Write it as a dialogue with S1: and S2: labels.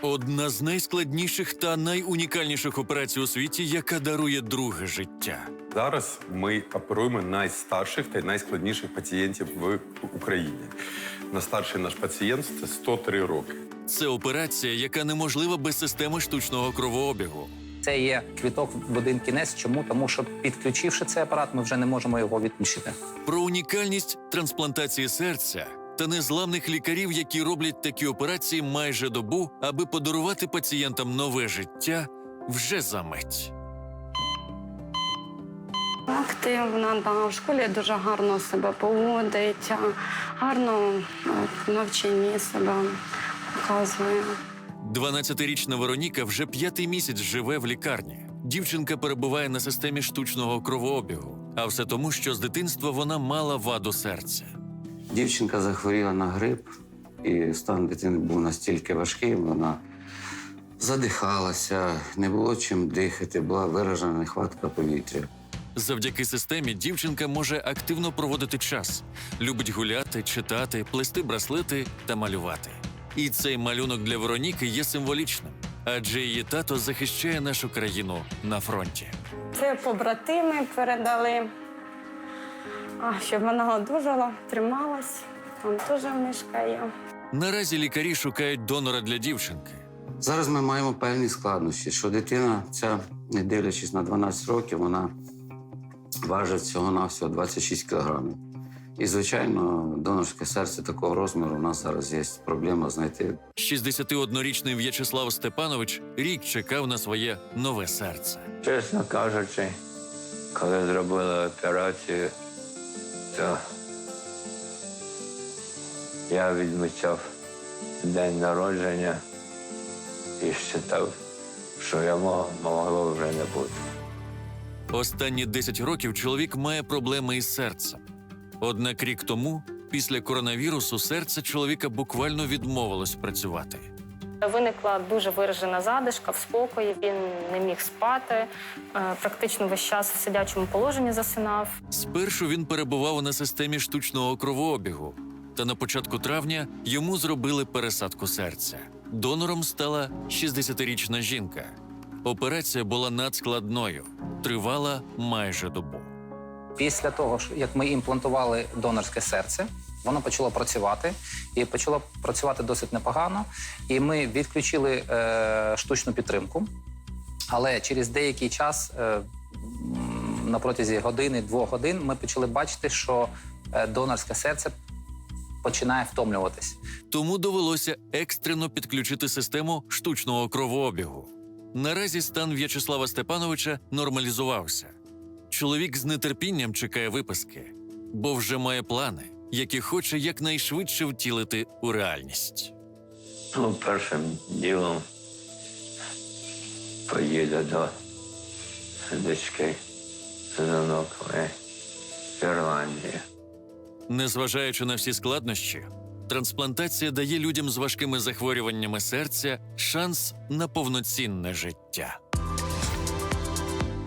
S1: Одна з найскладніших та найунікальніших операцій у світі, яка дарує друге життя.
S2: Зараз ми оперуємо найстарших та найскладніших пацієнтів в Україні. Найстарший наш пацієнт – це 103 роки.
S1: Це операція, яка неможлива без системи штучного кровообігу.
S3: Це є квіток в один кінець. Чому? Тому що, підключивши цей апарат, ми вже не можемо його відключити.
S1: Про унікальність трансплантації серця та незламних лікарів, які роблять такі операції майже добу, аби подарувати пацієнтам нове життя вже за мить.
S4: Активна, да, в школі дуже гарно себе поводить, гарно в навчанні себе показує.
S1: 12-річна Вероніка вже 5-й місяць живе в лікарні. Дівчинка перебуває на системі штучного кровообігу. А все тому, що з дитинства вона мала ваду серця.
S5: Дівчинка захворіла на грип, і стан дитини був настільки важкий, вона задихалася, не було чим дихати, була виражена нехватка повітря.
S1: Завдяки системі дівчинка може активно проводити час. Любить гуляти, читати, плести браслети та малювати. І цей малюнок для Вероніки є символічним, адже її тато захищає нашу країну на фронті.
S4: Це побратими передали, щоб вона одужала, трималась, там теж мешкає.
S1: Наразі лікарі шукають донора для дівчинки.
S5: Зараз ми маємо певні складнощі, що дитина ця, не дивлячись на 12 років, вона важить всього-навсього 26 кілограмів. І, звичайно, донорське серце такого розміру у нас зараз є проблема знайти.
S1: 61-річний В'ячеслав Степанович рік чекав на своє нове серце.
S6: Чесно кажучи, коли зробили операцію, то я відмічав день народження і вважав, що його могло вже не бути.
S1: Останні 10 років чоловік має проблеми із серцем. Однак рік тому, після коронавірусу, серце чоловіка буквально відмовилось працювати.
S7: Виникла дуже виражена задишка в спокої, він не міг спати, практично весь час в сидячому положенні засинав.
S1: Спершу він перебував на системі штучного кровообігу, та на початку травня йому зробили пересадку серця. Донором стала 60-річна жінка. Операція була надскладною, тривала майже добу.
S3: Після того, як ми імплантували донорське серце, воно почало працювати, і почало працювати досить непогано. І ми відключили штучну підтримку, але через деякий час, на протязі години-двох годин, ми почали бачити, що донорське серце починає втомлюватись.
S1: Тому довелося екстрено підключити систему штучного кровообігу. Наразі стан В'ячеслава Степановича нормалізувався. Чоловік з нетерпінням чекає виписки, бо вже має плани, які хоче якнайшвидше втілити у реальність.
S6: Першим ділом поїду до дочки з онуками в Ірландію.
S1: Незважаючи на всі складнощі, трансплантація дає людям з важкими захворюваннями серця шанс на повноцінне життя.